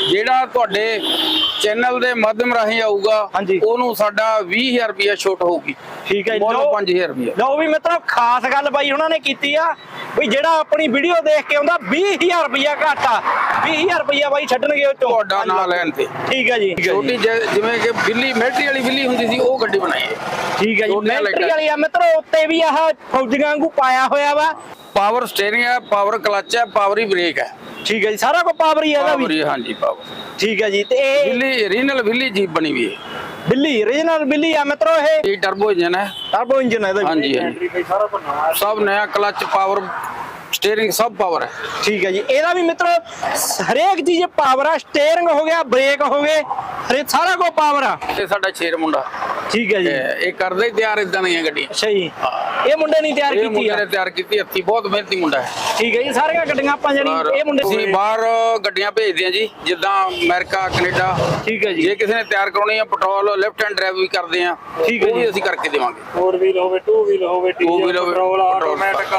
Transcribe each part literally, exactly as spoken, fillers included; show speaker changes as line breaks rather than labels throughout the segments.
ਜਿਹੜਾ ਤੁਹਾਡੇ ਚੈਨਲ ਦੇ ਮਾਧਿਅਮ ਰਾਹੀਂ ਆਊਗਾ ਉਹਨੂੰ ਸਾਡਾ ਵੀਹ ਹਜ਼ਾਰ ਰੁਪਇਆ ਛੋਟ ਹੋਊਗੀ।
ਠੀਕ ਹੈ ਜੀ,
ਲਓ ਪੰਜ ਹਜ਼ਾਰ ਰੁਪਇਆ।
ਲਓ ਵੀ ਮਿੱਤਰੋ ਖਾਸ ਗੱਲ ਬਾਈ ਉਹਨਾਂ ਨੇ ਕੀਤੀ ਆ ਵੀ ਜਿਹੜਾ ਆਪਣੀ ਵੀਡੀਓ ਦੇਖ ਕੇ ਆਉਂਦਾ ਵੀਹ ਹਜ਼ਾਰ ਰੁਪਇਆ ਘੱਟ ਆ, ਵੀਹ ਹਜ਼ਾਰ ਰੁਪਇਆ ਬਾਈ ਛੱਡਣਗੇ ਉਹ ਚੋਂ
ਤੁਹਾਡਾ ਨਾਂ ਲੈਣ ਤੇ।
ਠੀਕ ਹੈ ਜੀ,
ਛੋਟੀ ਜਿਵੇਂ ਕਿ ਬਿੱਲੀ ਮਿਲਟਰੀ ਵਾਲੀ ਬਿੱਲੀ ਹੁੰਦੀ ਸੀ ਉਹ ਗੱਡੀ ਬਣਾਈ ਹੈ।
ਠੀਕ ਹੈ ਜੀ, ਮਿਲਟਰੀ ਵਾਲੀ ਆ ਮਿੱਤਰੋ, ਉੱਤੇ ਵੀ ਆਹ ਫੌਜੀਆਂ ਵਾਂਗੂ ਪਾਇਆ ਹੋਇਆ ਵਾ।
ਪਾਵਰ ਸਟੀਅਰਿੰਗ ਹੈ, ਪਾਵਰ ਕਲਚ ਹੈ, ਪਾਵਰ ਹੀ ਬ੍ਰੇਕ ਹੈ।
ਠੀਕ ਹੈ ਜੀ, ਸਾਰਾ ਕੁਝ ਪਾਵਰ ਹੀ ਹੈ ਇਹਦਾ ਵੀ।
ਹਾਂਜੀ ਪਾਵਰ।
ਠੀਕ ਹੈ ਜੀ, ਤੇ ਇਹ
ਬਿੱਲੀ ਓਰੀਜਨਲ ਬਿੱਲੀ ਜੀਪ ਬਣੀ ਹੋਈ ਹੈ।
ਬਿੱਲੀ ਓਰੀਜਨਲ ਬਿੱਲੀ ਆ ਮਿੱਤਰੋ, ਇਹ
ਇਹ ਟਰਬੋ ਇੰਜਨ ਹੈ।
ਟਰਬੋ ਇੰਜਨ ਹੈ ਇਹਦਾ।
ਹਾਂਜੀ ਹਾਂਜੀ, ਸਭ ਨया ਕਲਚ ਪਾਵਰ ਸਟੀਅਰਿੰਗ ਸਭ ਪਾਵਰ ਹੈ।
ਠੀਕ ਹੈ ਜੀ, ਇਹਦਾ ਵੀ ਮਿੱਤਰੋ ਹਰੇਕ ਚੀਜ਼ ਪਾਵਰ ਆ, ਸਟੀਅਰਿੰਗ ਹੋ ਗਿਆ, ਬ੍ਰੇਕ ਹੋ ਗਏ, ਹਰੇ ਸਾਰਾ ਕੁਝ ਪਾਵਰ ਆ।
ਤੇ ਸਾਡਾ ਸ਼ੇਰ ਮੁੰਡਾ।
ਠੀਕ ਹੈ ਜੀ,
ਇਹ ਕਰਦਾ ਹੀ ਤਿਆਰ ਇਦਾਂ ਦੀਆਂ ਗੱਡੀਆਂ।
ਅੱਛਾ ਜੀ, ਇਹ ਮੁੰਡੇ ਨਹੀਂ ਤਿਆਰ
ਇਹ
ਕੀਤੀ
ਮੁੰਡੇ
ਆ?
ਨੇ ਤਿਆਰ ਕੀਤੀ, ਹੱਥੀ ਬਹੁਤ ਮਿਹਨਤੀ ਮੁੰਡਾ ਹੈ।
ਠੀਕ ਹੈ ਜੀ, ਸਾਰੀਆਂ ਗੱਡੀਆਂ ਆਪਾਂ ਜਿਹੜੀ ਇਹ ਮੁੰਡੇ
ਅਸੀਂ ਬਾਹਰ ਗੱਡੀਆਂ ਭੇਜਦੇ ਆ ਜੀ, ਜਿੱਦਾਂ ਅਮਰੀਕਾ, ਕੈਨੇਡਾ।
ਠੀਕ ਹੈ ਜੀ,
ਜੇ ਕਿਸੇ ਨੇ ਤਿਆਰ ਕਰਾਉਣੀ ਆ ਪੈਟਰੋਲ ਲੈਫਟ ਹੈਂਡ ਡਰਾਈਵ ਵੀ ਕਰਦੇ ਆ।
ਠੀਕ ਹੈ ਜੀ,
ਅਸੀਂ ਕਰਕੇ ਦੇਵਾਂਗੇ।
ਫੋਰ ਵੀਲ ਹੋਵੇ, ਟੂ ਵੀਲ ਹੋਵੇ, ਡੀਜ਼ਲ, ਪੈਟਰੋਲ, ਆਟੋਮੈਟਿਕ,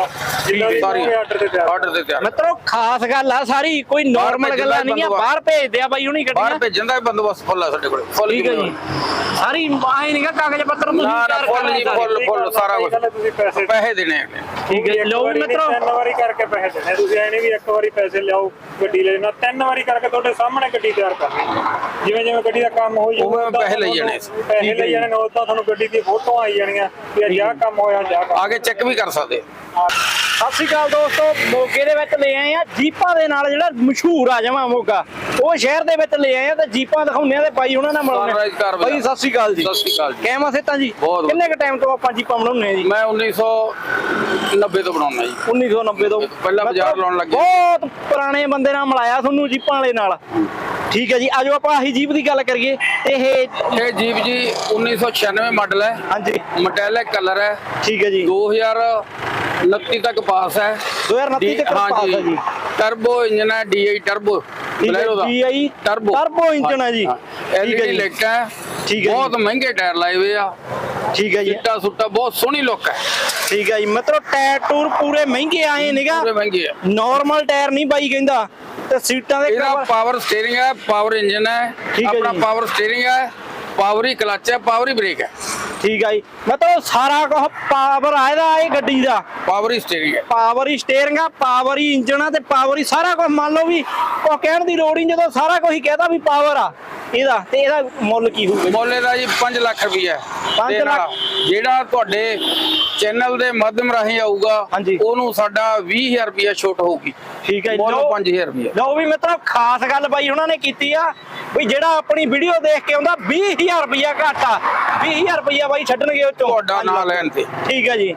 ਆਰਡਰ ਤੇ ਤਿਆਰ।
ਆਰਡਰ ਤੇ ਤਿਆਰ।
ਮਿੱਤਰੋ ਖਾਸ ਗੱਲ ਆ ਸਾਰੀ, ਕੋਈ ਨਾਰਮਲ ਗੱਲਾਂ ਨਹੀਂ ਆ। ਬਾਹਰ ਭੇਜਦੇ ਆ ਬਾਈ ਹੁਣੀ ਗੱਡੀਆਂ।
ਬਾਹਰ ਭੇਜਣ ਦਾ ਬੰਦੋਬਸਤ ਫੁੱਲ ਆ ਸਾਡੇ ਕੋਲ। ਫੁੱਲ।
ਠੀਕ ਹੈ ਜੀ, ਸਾਰੀ ਆਏ ਨਹੀਂਗਾ ਕਾਗਜ਼ ਪੱਤਰ ਤੁਸੀਂ ਤਿਆਰ
ਫੁੱਲ ਜੀ, ਫੁੱਲ ਫੁੱਲ ਸਾਰਾ ਕੁਝ।
ਤੁਸੀਂ ਪੈਸੇ
ਪੈਸੇ ਦੇਣੇ ਆ।
ਠੀਕ ਹੈ, ਲਓ ਮਿੱਤਰੋ
ਤਿੰਨ ਵਾਰੀ ਕਰਕੇ ਪੈਸੇ ਦੇਣੇ। ਤੁਸੀਂ ਐ ਨਹੀਂ ਵੀ ਇੱਕ ਵਾਰੀ ਪੈਸੇ ਲਿਆਓ ਗੱਡੀ ਲੈ ਲੈਣਾ, ਤਿੰਨ ਵਾਰੀ ਕਰਕੇ ਤੁਹਾਡੇ ਸਾਹਮਣੇ ਗੱਡੀ ਤਿਆਰ ਕਰਨੀ। ਜਿਵੇਂ ਜਿਵੇਂ ਗੱਡੀ ਦਾ ਕੰਮ ਹੋ ਜਾਊਗਾ
ਪੈਸੇ ਲਈ ਜਾਣੇ।
ਪੈਸੇ ਲਈ ਜਾਣੇ, ਉਹ ਤਾਂ ਤੁਹਾਨੂੰ ਗੱਡੀ ਦੀ ਫੋਟੋ ਆਈ ਜਾਣੀਆਂ ਵੀ ਅੱਜ ਆਹ ਕੰਮ ਹੋਇਆ, ਜਾ
ਆਗੇ ਚੈੱਕ ਵੀ ਕਰ ਸਕਦੇ।
ਸਤਿ ਸ਼੍ਰੀ ਅਕਾਲ ਦੋਸਤੋ, ਮੋਗੇ ਦੇ ਵਿੱਚ ਲੈ ਆਏ ਆ ਜੀਪਾਂ ਦੇ ਨਾਲ, ਜਿਹੜਾ ਮਸ਼ਹੂਰ ਆ ਜਾਵਾਂ ਮੋਗਾ, ਉਹ ਸ਼ਹਿਰ ਦੇ ਵਿੱਚ ਲੈ ਆਏ ਆ ਤੇ ਜੀਪਾਂ ਦਿਖਾਉਂਦੇ ਆ ਤੇ ਬਾਈ ਉਹਨਾਂ ਨਾਲ ਮਿਲਾਉਂਦੇ ਆ। ਬਾਈ ਸਤਿ ਸ਼੍ਰੀ ਅਕਾਲ ਜੀ।
ਸਤਿ ਸ਼੍ਰੀ ਅਕਾਲ ਜੀ।
ਕਿਵੇਂ ਸਿੱਧਾ ਜੀ? ਕਿੰਨੇ ਕ ਟਾਈਮ ਤੋਂ ਆਪਾਂ ਜੀਪਾਂ ਬਣਾਉਂਦੇ ਆ ਜੀ?
ਮੈਂ ਉੱਨੀ ਸੌ ਨੱਬੇ ਤੋਂ ਬਣਾਉਣਾ ਜੀ।
ਉੱਨੀ ਸੌ ਨੱਬੇ ਤੋਂ
ਪਹਿਲਾਂ ਬਾਜ਼ਾਰ ਲਾਉਣ ਲੱਗੇ।
ਬਹੁਤ ਪੁਰਾਣੇ ਬੰਦੇ ਨਾਲ ਮਿਲਾਇਆ ਤੁਹਾਨੂੰ ਜੀਪਾਂ ਵਾਲੇ ਨਾਲ। ਠੀਕ ਹੈ ਜੀ, ਆਜੋ ਆਪਾਂ ਆਹੀ ਜੀਪ ਦੀ ਗੱਲ ਕਰੀਏ। ਇਹ
ਇਹ ਜੀਪ ਜੀ ਉੱਨੀ ਸੌ ਛਿਆਨਵੇਂ ਮਾਡਲ ਹੈ।
ਹਾਂਜੀ,
ਮੈਟੈਲਿਕ ਕਲਰ ਹੈ।
ਠੀਕ ਹੈ ਜੀ,
ਦੋ ਹਜ਼ਾਰ ਉਨੱਤੀ ਤੱਕ ਪਾਸ ਹੈ।
ਦੋ ਹਜ਼ਾਰ ਉਨੱਤੀ ਤੱਕ ਪਾਸ ਹੈ ਜੀ।
ਟਰਬੋ ਇੰਜਨ ਹੈ, D I turbo.
DI
turbo
turbo engine ਹੈ ਜੀ।
ਠੀਕ ਹੈ ਜੀ, ਲਾਈਟ ਹੈ।
ਠੀਕ ਹੈ,
ਬਹੁਤ ਮਹਿੰਗੇ ਟਾਇਰ ਲਾਏ ਹੋਏ ਆ।
ਠੀਕ ਹੈ ਜੀ,
ਚਿੱਟਾ ਸੁੱਟਾ ਬਹੁਤ ਸੋਹਣੀ ਲੁੱਕ ਹੈ।
ਠੀਕ ਹੈ ਜੀ, ਮਤਲਬ ਟਾਇਰ ਟੂਰ ਪੂਰੇ ਮਹਿੰਗੇ ਆਏ ਨਿਗਾ,
ਪੂਰੇ ਮਹਿੰਗੇ ਆ।
ਨਾਰਮਲ ਟਾਇਰ ਨਹੀਂ ਬਾਈ ਕਹਿੰਦਾ। ਤੇ ਸੀਟਾਂ ਦੇ
ਇਹਦਾ ਪਾਵਰ ਸਟੀਅਰਿੰਗ ਹੈ, ਪਾਵਰ ਇੰਜਨ ਹੈ। ਆਪਣਾ ਪਾਵਰ ਸਟੀਅਰਿੰਗ ਹੈ, ਪਾਵਰ ਹੀ ਕਲਚ ਹੈ, ਪਾਵਰ ਹੀ ਬ੍ਰੇਕ ਹੈ।
ਠੀਕ ਹੈ ਜੀ, ਮਤਲਬ ਸਾਰਾ ਕੁਝ ਪਾਵਰ ਆ ਇਹਦਾ, ਇਹ ਗੱਡੀ ਦਾ
ਪਾਵਰ ਹੀ ਸਟੀਅਰਿੰਗ ਹੈ,
ਪਾਵਰ ਹੀ ਸਟੀਅਰਿੰਗ ਆ, ਪਾਵਰ ਹੀ ਇੰਜਨ ਆ ਤੇ ਪਾਵਰ ਹੀ ਸਾਰਾ ਕੁਝ। ਮੰਨ ਲਓ ਵੀ ਉਹ ਕਹਿਣ ਦੀ ਲੋੜ ਹੀ, ਜਦੋਂ ਸਾਰਾ ਕੁਝ ਹੀ ਕਹਿਦਾ ਵੀ ਪਾਵਰ ਆ ਇਹਦਾ, ਤੇ ਇਹਦਾ ਮੁੱਲ ਕੀ ਹੋਊਗਾ?
ਮੁੱਲ ਇਹਦਾ ਜੀ ਪੰਜ ਲੱਖ ਰੁਪਈਆ।
ਪੰਜ ਲੱਖ।
ਜਿਹੜਾ ਤੁਹਾਡੇ ਚੈਨਲ ਦੇ ਮਾਧਿਅਮ ਰਾਹੀਂ ਆਊਗਾ ਉਹਨੂੰ ਸਾਡਾ ਵੀਹ ਹਜ਼ਾਰ ਰੁਪਇਆ ਛੋਟ ਹੋਊਗੀ।
ਠੀਕ ਹੈ ਜੀ,
ਮੁੱਲ ਪੰਜ ਹਜ਼ਾਰ ਰੁਪਇਆ।
ਲਓ ਵੀ ਮਿੱਤਰੋ ਖਾਸ ਗੱਲ ਬਾਈ ਉਹਨਾਂ ਨੇ ਕੀਤੀ ਆ ਵੀ ਜਿਹੜਾ ਆਪਣੀ ਵੀਡੀਓ ਦੇਖ ਕੇ ਆਉਂਦਾ ਵੀਹ ਹਜ਼ਾਰ ਰੁਪਇਆ ਘੱਟ ਆ, ਵੀਹ ਹਜ਼ਾਰ ਰੁਪਇਆ ਬਾਈ ਛੱਡਣਗੇ ਉਹ ਚੋਂ
ਤੁਹਾਡਾ ਨਾਂ ਲੈਣ ਤੇ।
ਠੀਕ ਹੈ ਜੀ,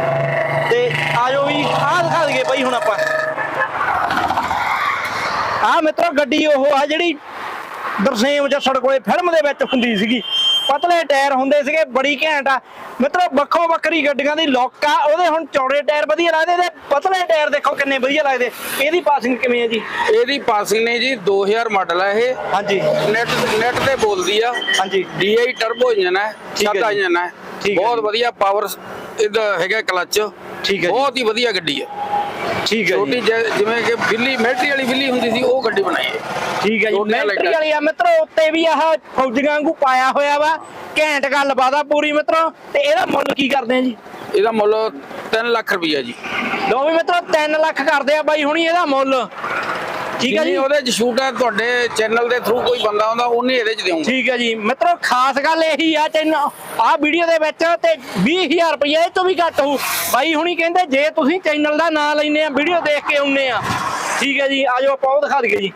ਤੇ ਆਜੋ ਵੀ ਆਹ ਦਿਖਾ ਦਈਏ ਬਾਈ ਹੁਣ ਆਪਾਂ। ਆਹ ਮਿੱਤਰੋ ਗੱਡੀ ਉਹ ਆ ਜਿਹੜੀ ਦਰਸੇਮ ਜੱਸੜ ਕੋਲੇ ਫਿਲਮ ਦੇ ਵਿੱਚ ਹੁੰਦੀ ਸੀਗੀ। ਪਤਲੇ ਟਾਇਰ ਹੁੰਦੇ ਸੀਗੇ, ਬੜੀ ਘੈਂਟ ਆ ਮਿੱਤਰੋ। ਵੱਖੋ ਵੱਖਰੀ ਗੱਡੀਆਂ ਦੀ ਲੁੱਕ ਆ। ਉਹਦੇ ਹੁਣ ਚੌੜੇ ਟਾਇਰ ਵਧੀਆ ਲੱਗਦੇ ਤੇ ਪਤਲੇ ਟਾਇਰ ਦੇਖੋ ਕਿੰਨੇ ਵਧੀਆ ਲੱਗਦੇ। ਇਹਦੀ ਪਾਸਿੰਗ ਕਿਵੇਂ ਹੈ ਜੀ?
ਇਹਦੀ ਪਾਸਿੰਗ ਨੇ ਜੀ ਦੋ ਹਜ਼ਾਰ ਮਾਡਲ ਹੈ ਇਹ।
ਹਾਂਜੀ,
ਨੈਟ ਨੈਟ ਤੇ ਬੋਲਦੀ ਆ।
ਹਾਂਜੀ,
ਡੀ ਆਈ ਟਰਬੋ ਇੰਜਨ ਹੈ, ਸਾਦਾ ਇੰਜਨ ਹੈ। ਬਹੁਤ ਵਧੀਆ ਪਾਵਰ ਇਹਦਾ ਹੈਗਾ ਕਲਚ।
ਠੀਕ ਹੈ,
ਬਹੁਤ ਹੀ ਵਧੀਆ ਗੱਡੀ ਹੈ।
ਠੀਕ ਹੈ,
ਛੋਟੀ ਜਿਵੇਂ ਕਿ ਬਿੱਲੀ ਮਿਲਟਰੀ ਵਾਲੀ ਬਿੱਲੀ ਹੁੰਦੀ ਸੀ ਉਹ ਗੱਡੀ ਬਣਾਈ ਹੈ।
ਠੀਕ ਹੈ ਜੀ, ਮਿਲਟਰੀ ਵਾਲੀ ਆ ਮਿੱਤਰੋ, ਉੱਤੇ ਵੀ ਆਹ ਫੌਜੀਆਂ ਵਾਂਗੂ ਪਾਇਆ ਹੋਇਆ ਵਾ। ਘੈਂਟ ਗੱਲਬਾਤ ਆ ਪੂਰੀ ਮਿੱਤਰੋ। ਤੇ ਇਹਦਾ ਮੁੱਲ ਕੀ ਕਰਦੇ ਆ ਜੀ?
ਇਹਦਾ ਮੁੱਲ ਤਿੰਨ ਲੱਖ ਰੁਪਈਆ ਜੀ।
ਲੋ ਵੀ ਮਿੱਤਰੋ ਤਿੰਨ ਲੱਖ ਕਰਦੇ ਆ ਬਾਈ ਹੁਣੀ ਇਹਦਾ ਮੁੱਲ। ਠੀਕ ਹੈ ਜੀ,
ਉਹਦੇ ਚ ਛੂਟ ਹੈ। ਤੁਹਾਡੇ ਚੈਨਲ ਦੇ ਥਰੂ ਕੋਈ ਬੰਦਾ ਆਉਂਦਾ ਉਹਨੇ ਇਹਦੇ ਚ ਦੇਵਾਂਗੇ।
ਠੀਕ ਹੈ ਜੀ ਮਿੱਤਰੋ, ਖਾਸ ਗੱਲ ਇਹੀ ਆ ਚੈਨਲ ਆਹ ਵੀਡੀਓ ਦੇ ਵਿੱਚ ਤੇ ਵੀਹ ਹਜ਼ਾਰ ਰੁਪਇਆ ਇਹ ਤੋਂ ਵੀ ਘੱਟ ਹੋਊ। ਬਾਈ ਹੁਣੀ ਕਹਿੰਦੇ ਜੇ ਤੁਸੀਂ ਚੈਨਲ ਦਾ ਨਾਂ ਲੈਨੇ ਆ, ਵੀਡੀਓ ਦੇਖ ਕੇ ਆਉਨੇ ਆ। ਠੀਕ ਹੈ ਜੀ, ਆਜੋ ਆਪਾਂ ਉਹ ਦਿਖਾ ਦਈਏ ਜੀ।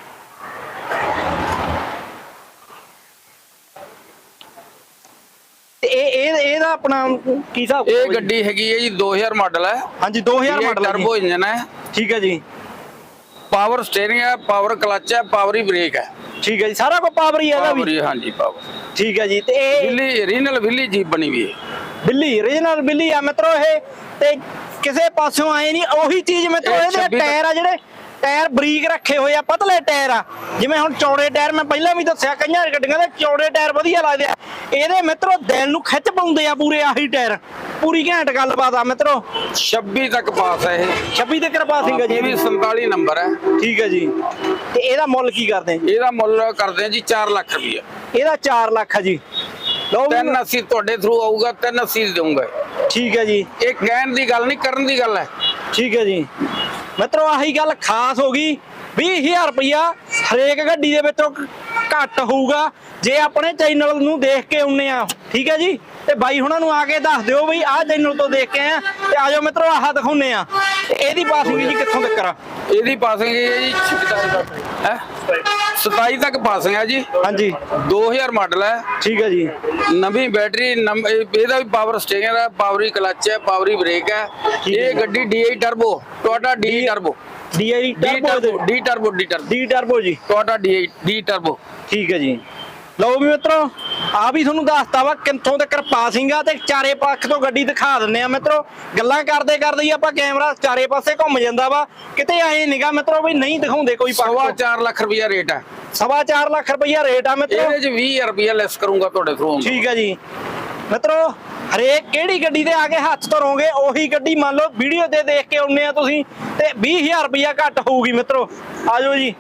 ਇਹ ਇਹ ਇਹਦਾ ਆਪਣਾ ਕੀ ਹਿਸਾਬ?
ਇਹ ਗੱਡੀ ਹੈਗੀ ਹੈ ਜੀ ਦੋ ਹਜ਼ਾਰ ਮਾਡਲ ਹੈ।
ਹਾਂਜੀ, ਦੋ ਹਜ਼ਾਰ ਮਾਡਲ ਹੈ,
ਟਰਬੋ ਇੰਜਨ ਹੈ।
ਠੀਕ ਹੈ ਜੀ,
ਪਾਵਰ ਸਟੀਅਰਿੰਗ ਹੈ, ਪਾਵਰ ਕਲਚ ਹੈ, ਪਾਵਰ ਹੀ ਬ੍ਰੇਕ ਹੈ।
ਠੀਕ ਹੈ ਜੀ, ਸਾਰਾ ਕੁਝ ਪਾਵਰ ਹੀ ਹੈ ਇਹਦਾ ਵੀ।
ਹਾਂਜੀ ਪਾਵਰ।
ਠੀਕ ਹੈ ਜੀ, ਤੇ ਇਹ
ਬਿੱਲੀ ਓਰੀਜਨਲ ਬਿੱਲੀ ਜੀਪ ਬਣੀ ਹੋਈ ਹੈ।
ਬਿੱਲੀ ਓਰੀਜਨਲ ਬਿੱਲੀ ਆ ਮਿੱਤਰੋ ਇਹ, ਤੇ ਕਿਸੇ ਪਾਸਿਓਂ ਆਏ ਨਹੀਂ। ਉਹੀ ਚੀਜ਼ ਮਿੱਤਰੋ, ਇਹਦੇ ਟਾਇਰ ਆ ਜਿਹੜੇ ਟਾਇਰ ਬਰੀਕ ਰੱਖੇ ਹੋਏ ਆ, ਪਤਲੇ ਟਾਇਰ ਆ। ਜਿਵੇਂ ਹੁਣ ਚੌੜੇ ਟਾਇਰ ਮੈਂ ਪਹਿਲਾਂ ਵੀ ਦੱਸਿਆ, ਕਈਆਂ ਗੱਡੀਆਂ ਦੇ ਚੌੜੇ ਟਾਇਰ ਵਧੀਆ ਲੱਗਦੇ ਆ, ਇਹਦੇ ਮਿੱਤਰੋ ਦਿਲ ਨੂੰ ਖਿੱਚ ਪਾਉਂਦੇ ਆ ਪੂਰੇ ਆਹੀ ਟਾਇਰ। ਪੂਰੀ ਘੈਂਟ ਗੱਲਬਾਤ ਆ ਮਿੱਤਰੋ।
ਛੱਬੀ ਤੱਕ ਪਾਸ ਹੈ ਇਹ,
ਛੱਬੀ ਤੇ ਕਿਰਪਾ ਸਿੰਘ ਜੀ,
ਇਹ ਵੀ ਸੰਤਾਲੀ ਨੰਬਰ ਹੈ।
ਠੀਕ ਹੈ ਜੀ। ਤੇ ਇਹਦਾ ਮੁੱਲ ਕੀ ਕਰਦੇ ਆ ਜੀ?
ਇਹਦਾ ਮੁੱਲ ਕਰਦੇ ਆ ਜੀ ਚਾਰ ਲੱਖ ਰੁਪਇਆ।
ਇਹਦਾ ਚਾਰ ਲੱਖ ਆ ਜੀ। ਲਓ ਵੀ-
ਤਿੰਨ ਅੱਸੀ ਤੁਹਾਡੇ ਥਰੂ ਆਊਗਾ, ਤਿੰਨ ਅੱਸੀ ਦੇਊਂਗਾ।
ਠੀਕ ਹੈ ਜੀ।
ਇਹ ਕਹਿਣ ਦੀ ਗੱਲ ਨਹੀਂ, ਕਰਨ ਦੀ ਗੱਲ ਹੈ।
ਠੀਕ ਹੈ ਜੀ ਮਿੱਤਰੋ, ਆਹੀ ਗੱਲ ਖਾਸ ਹੋ ਗਈ। ਵੀਹ ਹਜ਼ਾਰ ਰੁਪਇਆ ਹਰੇਕ ਗੱਡੀ ਦੇ ਵਿੱਚੋਂ ਘੱਟ ਹੋਊਗਾ ਜੇ ਆਪਣੇ ਚੈਨਲ ਨੂੰ ਦੇਖ ਕੇ ਆਉਨੇ ਆ। ਠੀਕ ਹੈ ਜੀ। ਤੇ ਬਾਈ ਹੁਣਾਂ ਨੂੰ ਆ ਕੇ ਦੱਸ ਦਿਓ ਬਈ ਆਹ ਚੈਨਲ ਤੋਂ ਦੇਖ ਕੇ ਆ, ਤੇ ਆਜੋ ਮਿੱਤਰੋ ਆਹ ਦਿਖਾਉਨੇ ਆ। ਤੇ ਇਹਦੀ ਪਾਸਿੰਗ ਜੀ ਕਿੱਥੋਂ ਤੱਕ ਆ?
ਇਹਦੀ ਪਾਸਿੰਗ ਹੈ ਜੀ ਹੈ ਸਤਾਈ ਤੱਕ ਪਾਸਿੰਗ ਹੈ ਜੀ।
ਹਾਂਜੀ
ਦੋ ਹਜ਼ਾਰ ਮਾਡਲ ਹੈ।
ਠੀਕ ਹੈ ਜੀ।
ਨਵੀਂ ਬੈਟਰੀ, ਨੰਬ- ਇਹਦਾ ਵੀ ਪਾਵਰ ਸਟੀਅਰਿੰਗ ਹੈ, ਪਾਵਰੀ ਕਲਚ ਹੈ, ਪਾਵਰੀ ਬ੍ਰੇਕ ਹੈ। ਇਹ ਗੱਡੀ D I turbo, Toyota D turbo,
D I
D turbo, D turbo, D turbo,
D turbo ਜੀ।
Toyota D I D turbo.
ਠੀਕ ਹੈ ਜੀ। ਲਓ ਵੀ ਮਿੱਤਰੋ, ਆ ਵੀ ਤੁਹਾਨੂੰ ਦੱਸਤਾ ਵਾ ਕਿੱਥੋਂ ਤੱਕ ਪਾਸਿੰਗ ਆ, ਤੇ ਚਾਰੇ ਪੱਖ ਤੋਂ ਗੱਡੀ ਦਿਖਾ ਦਿੰਨੇ ਆ ਮਿੱਤਰੋ। ਗੱਲਾਂ ਕਰਦੇ ਕਰਦੇ ਹੀ ਆਪਾਂ ਕੈਮਰਾ ਚਾਰੇ ਪਾਸੇ ਘੁੰਮ ਜਾਂਦਾ ਵਾ, ਕਿਤੇ ਐ ਨਿਗਾ ਮਿੱਤਰੋ ਵੀ ਨਹੀਂ ਦਿਖਾਉਂਦੇ ਕੋਈ ਪੱਖ।
ਸਵਾ ਚਾਰ ਲੱਖ ਰੁਪਇਆ ਰੇਟ ਹੈ।
ਸਵਾ ਚਾਰ ਲੱਖ ਰੁਪਈਆ ਰੇਟ ਆ ਮਿੱਤਰੋ।
ਇਹਦੇ ਚ ਵੀਹ ਹਜ਼ਾਰ ਰੁਪਇਆ ਲੈਸ ਕਰੂੰਗਾ ਤੁਹਾਡੇ ਥਰੂ।
ਠੀਕ ਹੈ ਜੀ ਮਿੱਤਰੋ, ਹਰੇਕ ਕਿਹੜੀ ਗੱਡੀ ਦੇ ਆ ਕੇ ਹੱਥ ਧਰੋਗੇ ਉਹੀ ਗੱਡੀ ਮੰਨ ਲਓ ਵੀਡੀਓ ਤੇ ਦੇਖ ਕੇ ਆਉਨੇ ਆ ਤੁਸੀਂ, ਤੇ ਵੀਹ ਹਜ਼ਾਰ ਰੁਪਇਆ ਘੱਟ ਹੋਊਗੀ ਮਿੱਤਰੋ। ਆਜੋ ਜੀ।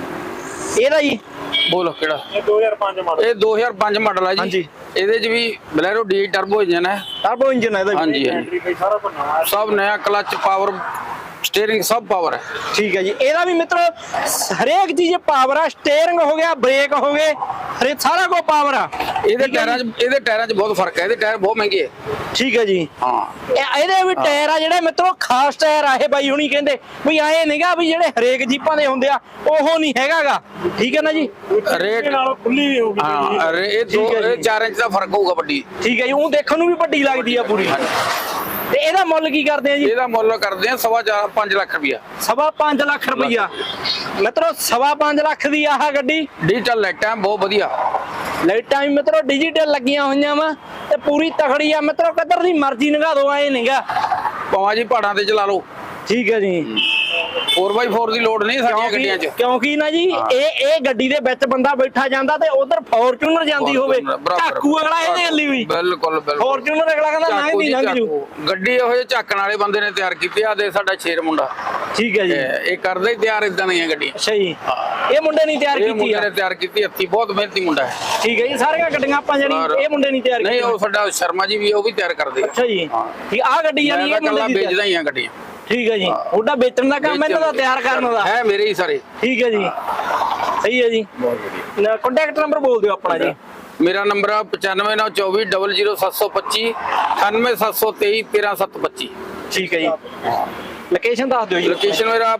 ਇਹਦਾ ਜੀ
ਬੋਲੋ ਕਿਹੜਾ?
ਇਹ ਦੋ ਹਜ਼ਾਰ ਪੰਜ ਮਾਡਲ।
ਇਹ ਦੋ ਹਜ਼ਾਰ ਪੰਜ ਮਾਡਲ ਹੈ ਜੀ।
ਹਾਂਜੀ।
ਇਹਦੇ ਚ ਵੀ ਬਲੈਰੋ ਡੀ ਟਰਬੋ ਇੰਜਨ ਹੈ।
ਟਰਬੋ ਇੰਜਨ ਹੈ ਇਹਦਾ ਵੀ।
ਹਾਂਜੀ ਹਾਂਜੀ,
ਬੈਟਰੀ ਬਈ ਸਾਰਾ ਕੁਝ ਨਵਾਂ ਹੈ।
ਸਭ ਨया, ਕਲਚ, ਪਾਵਰ ਸਟੀਅਰਿੰਗ ਸਭ ਪਾਵਰ ਹੈ।
ਠੀਕ ਹੈ ਜੀ। ਇਹਦਾ ਵੀ ਮਿੱਤਰੋ ਹਰੇਕ ਚੀਜ਼ ਪਾਵਰ ਆ, ਸਟੀਅਰਿੰਗ ਹੋ ਗਿਆ, ਬ੍ਰੇਕ ਹੋ ਗਏ, ਹਰੇਕ ਸਾਰਾ ਕੁਝ ਪਾਵਰ ਆ।
ਇਹਦੇ ਟਾਇਰਾਂ 'ਚ ਇਹਦੇ ਟਾਇਰਾਂ 'ਚ ਬਹੁਤ ਫਰਕ ਹੈ। ਇਹਦੇ ਟਾਇਰ ਬਹੁਤ ਮਹਿੰਗੇ ਹੈ।
ਠੀਕ ਹੈ ਜੀ।
ਹਾਂ,
ਇਹ- ਇਹਦੇ ਵੀ ਟਾਇਰ ਆ ਜਿਹੜੇ ਮਿੱਤਰੋ ਖਾਸ ਟਾਇਰ ਆ ਇਹ। ਬਾਈ ਹੁਣੀ ਕਹਿੰਦੇ ਵੀ ਐ ਨਹੀਂਗਾ ਵੀ ਜਿਹੜੇ ਹਰੇਕ ਜੀਪਾਂ ਦੇ ਹੁੰਦੇ ਆ ਉਹ ਨਹੀਂ ਹੈਗਾਗਾ। ਠੀਕ ਹੈ ਨਾ ਜੀ।
ਰੇਟ
ਨਾਲੋਂ ਖੁੱਲੀ ਵੀ ਹੋਊਗੀ ਜੀ।
ਹਾਂ, ਰੇ- ਇਹ ਦੋ
ਠੀਕ ਹੈ ਜੀ।
ਇਹ ਚਾਰ ਇੰਚ ਦਾ ਫਰਕ ਹੋਊਗਾ ਵੱਡੀ।
ਠੀਕ ਹੈ ਜੀ। ਉਹ ਦੇਖਣ ਨੂੰ ਵੀ ਵੱਡੀ ਲੱਗਦੀ ਆ ਪੂਰੀ। ਤੇ ਇਹਦਾ ਮੁੱਲ ਕੀ ਕਰਦੇ ਆ ਜੀ?
ਇਹਦਾ ਮੁੱਲ ਕਰਦੇ ਆ ਸਵਾ ਚਾਰ ਪੰਜ ਲੱਖ ਰੁਪਇਆ।
ਸਵਾ ਪੰਜ ਲੱਖ ਰੁਪਈਆ ਮਿੱਤਰੋ। ਸਵਾ ਪੰਜ ਲੱਖ ਦੀ ਆਹ ਗੱਡੀ।
ਡਿਜੀਟਲ ਲਾਈਟਾਂ ਬਹੁਤ ਵਧੀਆ।
ਲਾਈਟਾਂ ਵੀ ਮਿੱਤਰੋ ਡਿਜੀਟਲ ਲੱਗੀਆਂ ਹੋਈਆਂ ਵਾ, ਤੇ ਪੂਰੀ ਤਕੜੀ ਆ ਮਿੱਤਰੋ। ਕਿੱਧਰ ਦੀ ਮਰਜ਼ੀ ਨਗਾ ਦੋ, ਐ ਨਹੀਂਗਾ।
ਪਵਾ ਜੀ ਪਹਾੜਾਂ ਤੇ ਚਲਾ ਲਓ।
ਠੀਕ ਹੈ ਜੀ।
ਫੋਰ ਬਾਈ ਫੋਰ ਦੀ ਲੋਡ ਨਹੀਂ ਸਾਡੀਆਂ ਗੱਡੀਆਂ 'ਚ।
ਕਿਉਂਕਿ ਕਿਉਂਕਿ ਨਾ ਜੀ ਇਹ ਇਹ ਗੱਡੀ ਦੇ ਵਿੱਚ ਬੰਦਾ ਬੈਠਾ ਜਾਂਦਾ ਤੇ ਉਧਰ ਫੋਰਚੂਨਰ ਜਾਂਦੀ ਹੋਵੇ,
ਬਰਾਬਰ।
ਝਾਕੂ ਅਗਲਾ ਇਹਦੇ ਗੱਲੀ ਵੀ।
ਬਿਲਕੁਲ ਬਿਲਕੁਲ।
ਫੋਰਚੂਨਰ ਅਗਲਾ ਕਹਿੰਦਾ
ਝਾਕੂ
ਲੰਘਦੀ
ਜੀ,
ਲੰਘ ਜੂ।
ਝਾਕੂ। ਗੱਡੀ ਇਹੋ ਜਿਹੇ ਝਾਕਣ ਵਾਲੇ ਬੰਦੇ ਨੇ ਤਿਆਰ ਕੀਤੀ ਆ। ਦੇ ਸਾਡਾ ਸ਼ੇਰ ਮੁੰਡਾ,
ਠੀਕ ਹੈ ਜੀ।
ਇਹ ਇਹ ਕਰਦਾ ਹੀ ਤਿਆਰ ਇਦਾਂ ਦੀਆਂ ਗੱਡੀਆਂ।
ਅੱਛਾ ਜੀ। ਇਹ ਮੁੰਡੇ ਨਹੀਂ ਤਿਆਰ
ਇਹ
ਕੀਤੀ
ਮੁੰਡੇ
ਆ?
ਨੇ ਤਿਆਰ ਕੀਤੀ ਹੱਥੀਂ, ਬਹੁਤ ਮਿਹਨਤੀ ਮੁੰਡਾ ਹੈ।
ਠੀਕ ਹੈ ਜੀ। ਸਾਰੀਆਂ ਗੱਡੀਆਂ ਆਪਾਂ ਜਿਹੜੀ ਇਹ ਮੁੰਡੇ ਨਹੀਂ ਤਿਆਰ
ਨਹੀਂ,
ਕੀਤੀਆਂ?
ਉਹ ਸਾਡਾ ਸ਼ਰਮਾ ਜੀ ਵੀ ਉਹ ਵੀ ਤਿਆਰ ਕਰਦੇ ਆ।
ਅੱਛਾ ਜੀ। ਠੀਕ ਆ ਗੱਡੀ
ਮੈਂ
ਜਾਨੀ
ਤਾਂ
ਇਹ ਮੁੰਡੇ
ਕੱਲਾ
ਦੀ ਤਿਆਰ-
ਵੇਚਦਾ ਹੀ ਆ ਗੱਡੀਆਂ।
ਠੀਕ ਹੈ ਜੀ। ਉਹਦਾ ਵੇਚਣ ਦਾ ਕੰਮ ਇਹਨਾਂ ਦਾ ਤਿਆਰ ਕਰਨ ਦਾ
ਹੈ, ਮੇਰੇ ਹੀ ਸਾਰੇ।
ਠੀਕ ਹੈ ਜੀ। ਸਹੀ ਹੈ ਜੀ। ਕੰਟੈਕਟ ਨੰਬਰ ਬੋਲ ਦਿਓ ਆਪਣਾ ਜੀ।
ਮੇਰਾ ਨੰਬਰ ਆ ਪਚਾਨਵੇਂ ਨੌ ਚੌਵੀ ਡਬਲ ਜ਼ੀਰੋ ਸੱਤ ਸੌ ਪੱਚੀ ਅਠਾਨਵੇਂ ਸੱਤ ਸੌ ਤੇਈ ਤੇਰਾਂ ਸੱਤ ਪੱਚੀ।
ਠੀਕ ਹੈ ਜੀ। ਲੋਕੇਸ਼ਨ ਦੱਸ ਦਿਓ ਜੀ।
ਲੋਕੇਸ਼ਨ ਮੇਰਾ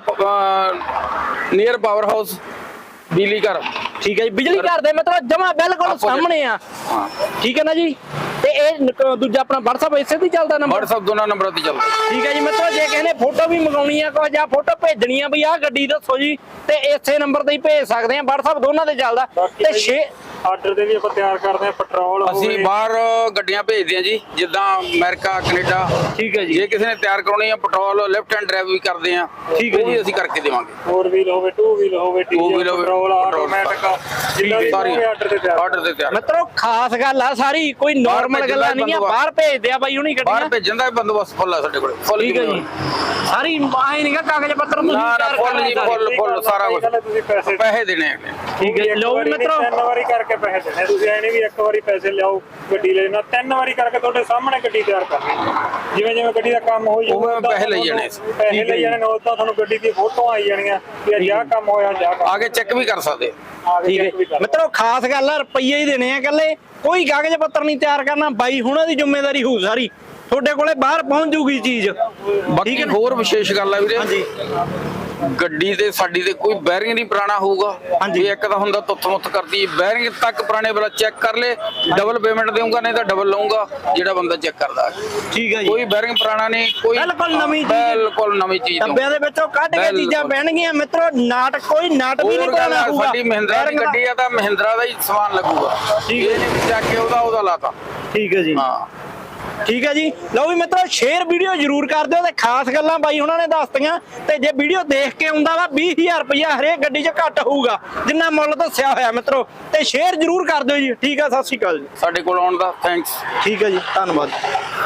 ਨੀਅਰ ਪਾਵਰ ਹਾਊਸ ਬਿਜਲੀ ਘਰ।
ਠੀਕ ਹੈ ਜੀ। ਬਿਜਲੀ ਘਰ ਦੇ ਮਤਲਬ ਜਮਾ ਬਿਲਕੁਲ ਸਾਹਮਣੇ ਆ।
ਹਾਂ,
ਠੀਕ ਹੈ ਨਾ ਜੀ। ਤੇ ਇਹ ਨ- ਦੂਜਾ ਆਪਣਾ WhatsApp ਇਸੇ ਤੇ ਚੱਲਦਾ ਨੰਬਰ?
WhatsApp ਦੋਨਾਂ ਨੰਬਰਾਂ ਤੇ ਚੱਲਦਾ।
ਠੀਕ ਹੈ ਜੀ ਮਿੱਤਰੋ, ਜੇ ਕਿਸੇ ਨੇ ਫੋਟੋ ਵੀ ਮੰਗਾਉਣੀ ਆ ਕੋਈ ਜਾਂ ਫੋਟੋ ਭੇਜਣੀ ਆ ਵੀ ਆਹ ਗੱਡੀ ਦੱਸੋ ਜੀ, ਤੇ ਇਸੇ ਨੰਬਰ ਤੇ ਹੀ ਭੇਜ ਸਕਦੇ ਆ। WhatsApp ਦੋਨਾਂ ਤੇ ਚੱਲਦਾ। ਤੇ ਛੇ
ਆਰਡਰ ਦੇ ਵੀ ਆਪਾਂ ਤਿਆਰ ਕਰਦੇ ਆ। ਪੈਟਰੋਲ
ਅਸੀਂ ਬਾਹਰ ਗੱਡੀਆਂ ਭੇਜਦੇ ਆ ਜੀ, ਜਿੱਦਾਂ ਅਮਰੀਕਾ, ਕੈਨੇਡਾ।
ਠੀਕ ਹੈ ਜੀ।
ਜੇ ਕਿਸੇ ਨੇ ਤਿਆਰ ਕਰਾਉਣੀ ਆ ਪੈਟਰੋਲ ਲੈਫਟ ਹੈਂਡ ਡਰਾਈਵ ਵੀ ਕਰਦੇ ਆ।
ਠੀਕ ਹੈ
ਉਹ ਵੀ
ਜੀ।
ਅਸੀਂ ਕਰਕੇ ਦੇਵਾਂਗੇ।
ਫੋਰ ਵੀਲ ਹੋਵੇ, ਟੂ ਵੀਲ ਹੋਵੇ,
Two wheel
ਡੀਜ਼ਲ,
ਹੋਵੇ,
ਪੈਟਰੋਲ,
ਪੈਟਰੋਲ,
ਆਟੋਮੈਟਿਕ, ਜਿੰਨਾ ਵੀ
ਸਾਰੀ
ਆਰਡਰ ਤੇ ਤਿਆਰ
ਆਰਡਰ ਤੇ ਤਿਆਰ।
ਮਿੱਤਰੋ ਖਾਸ ਗੱਲ ਆ ਸਾਰੀ, ਕੋਈ ਨਾਰਮਲ
ਭੇਜਣ
ਗੱਲਾਂ
ਦਾ
ਨਹੀਂ ਆ।
ਬੰਦੋਬਸਤ।
ਬਾਹਰ ਭੇਜਦੇ ਆ ਬਾਈ ਹੁਣੀ
ਬਾਹਰ
ਗੱਡੀਆਂ।
ਭੇਜਣ ਦਾ ਵੀ ਬੰਦੋਬਸਤ ਫੁੱਲ ਆ ਸਾਡੇ ਕੋਲ। ਫੁੱਲ
ਠੀਕ ਹੈ ਜੀ। ਸਾਰੀ ਆਏ ਨਹੀਂਗਾ ਕਾਗਜ਼ ਪੱਤਰ ਤੁਸੀਂ
ਨਾ ਨਾ
ਤਿਆਰ
ਫੁੱਲ ਜੀ,
ਕਰਨਾ।
ਫੁੱਲ ਫੁੱਲ ਸਾਰਾ ਕੁਝ।
ਤੁਸੀਂ ਪੈਸੇ
ਪੈਸੇ ਦੇਣੇ ਆ।
ਠੀਕ ਹੈ ਜੀ। ਲਓ ਵੀ ਮਿੱਤਰੋ,
ਤਿੰਨ ਵਾਰੀ ਕਰਕੇ ਪੈਸੇ ਦੇਣੇ। ਤੁਸੀਂ ਐ ਨਹੀਂ ਵੀ ਇੱਕ ਵਾਰੀ ਪੈਸੇ ਲਿਆਓ ਗੱਡੀ ਲੈ ਜਾਣਾ, ਤਿੰਨ ਵਾਰੀ ਕਰਕੇ ਤੁਹਾਡੇ ਸਾਹਮਣੇ ਗੱਡੀ ਤਿਆਰ ਕਰਨੀ। ਜਿਵੇਂ ਜਿਵੇਂ ਗੱਡੀ ਦਾ ਕੰਮ ਹੋਈ
ਉਵੇਂ ਉਵੇਂ ਪੈਸੇ ਲਈ ਜਾਣੇ।
ਪੈਸੇ ਲਈ ਜਾਣੇ, ਨਾਲ ਤਾਂ ਤੁਹਾਨੂੰ ਗੱਡੀ ਦੀ ਫੋਟੋ ਆਈ ਜਾਣੀਆਂ ਕਿ ਅੱਜ ਆਹ ਕੰਮ ਹੋਇਆ, ਅੱਜ ਆਹ ਕੰਮ
ਆਗੇ ਚੈੱਕ ਵੀ ਕਰ ਸਕਦੇ।
ਆ ਕੇ
ਠੀਕ
check ਵੀ
ਹੈ
ਕਰ।
ਮਿੱਤਰੋ, ਖਾਸ ਗੱਲ ਆ ਰੁਪਈਏ ਹੀ ਦੇਣੇ ਆ ਇਕੱਲੇ, ਕੋਈ ਕਾਗਜ਼ ਪੱਤਰ ਨਹੀਂ ਤਿਆਰ ਕਰਨਾ। ਬਾਈ ਹੁਣਾਂ ਦੀ ਜ਼ਿੰਮੇਵਾਰੀ ਹੋਊ ਸਾਰੀ, ਤੁਹਾਡੇ ਕੋਲੇ ਬਾਹਰ ਪਹੁੰਚ ਜੂਗੀ ਚੀਜ਼।
ਬਾਕੀ ਹੋਰ ਵਿਸ਼ੇਸ਼ ਗੱਲ ਆ ਵੀਰੇ,
ਹਾਂਜੀ।
ਗੱਡੀ ਤੇ ਸਾਡੀ ਤੇ ਕੋਈ ਬੈਰਿੰਗ ਨਹੀਂ ਪੁਰਾਣਾ ਹੋਊਗਾ।
ਹਾਂਜੀ।
ਵੀ ਇੱਕ ਤਾਂ ਹੁੰਦਾ ਤੁੱਥ ਮੁੱਥ ਕਰਦੀ, ਬੈਰਿੰਗ ਤੱਕ ਪੁਰਾਣੇ ਵਾਲਾ ਚੈੱਕ ਕਰ ਲੈ, ਡਬਲ ਪੇਮੈਂਟ ਦੇਊਂਗਾ, ਨਹੀਂ ਤਾਂ ਡਬਲ ਲਊਂਗਾ ਜਿਹੜਾ ਬੰਦਾ ਚੈੱਕ ਕਰਦਾ।
ਠੀਕ ਹੈ ਜੀ।
ਕੋਈ ਬੈਰਿੰਗ ਪੁਰਾਣਾ ਨਹੀਂ, ਕੋਈ
ਬਿਲਕੁਲ ਨਵੀਂ ਚੀਜ਼।
ਬਿਲਕੁਲ ਨਵੀਂ ਚੀਜ਼ ਦਊਂ।
ਡੱਬਿਆਂ ਦੇ ਵਿੱਚੋਂ ਕੱਢ ਕੇ
ਬਿਲਕੁਲ।
ਚੀਜ਼ਾਂ ਪੈਣਗੀਆਂ ਮਿੱਤਰੋ। ਨਾਟ ਕੋਈ ਨਾਟ ਵੀ ਨਹੀਂ
ਹੋਰ ਗੱਲ
ਪੁਰਾਣਾ
ਆ,
ਹੋਊਗਾ।
ਸਾਡੀ ਮਹਿੰਦਰਾ ਦੀ
ਬੈਰਿੰਗ ਦਾ-
ਗੱਡੀ ਆ ਤਾਂ ਮਹਿੰਦਰਾ ਦਾ ਹੀ ਸਮਾਨ ਲੱਗੂਗਾ।
ਠੀਕ ਹੈ।
ਇਹ ਨਹੀਂ ਚੱਕ ਕੇ ਉਹਦਾ ਉਹਦਾ ਲਾਤਾ।
ਠੀਕ ਹੈ ਜੀ।
ਹਾਂ,
ਠੀਕ ਹੈ ਜੀ। ਲਓ ਵੀ ਮਿੱਤਰੋ ਸ਼ੇਅਰ ਵੀਡੀਓ ਜ਼ਰੂਰ ਕਰ ਦਿਓ ਤੇ ਖਾਸ ਗੱਲਾਂ ਬਾਈ ਉਹਨਾਂ ਨੇ ਦੱਸਤੀਆਂ। ਤੇ ਜੇ ਵੀਡੀਓ ਦੇਖ ਕੇ ਆਉਂਦਾ ਵਾ ਵੀਹ ਹਜ਼ਾਰ ਰੁਪਇਆ ਹਰੇਕ ਗੱਡੀ 'ਚ ਘੱਟ ਹੋਊਗਾ ਜਿੰਨਾ ਮੁੱਲ ਦੱਸਿਆ ਹੋਇਆ ਮਿੱਤਰੋ। ਤੇ ਸ਼ੇਅਰ ਜ਼ਰੂਰ ਕਰ ਦਿਓ ਜੀ। ਠੀਕ ਆ, ਸਤਿ ਸ਼੍ਰੀ ਅਕਾਲ ਜੀ।
ਸਾਡੇ ਕੋਲ ਆਉਣ ਦਾ ਥੈਂਕਸ।
ਠੀਕ ਹੈ ਜੀ, ਧੰਨਵਾਦ।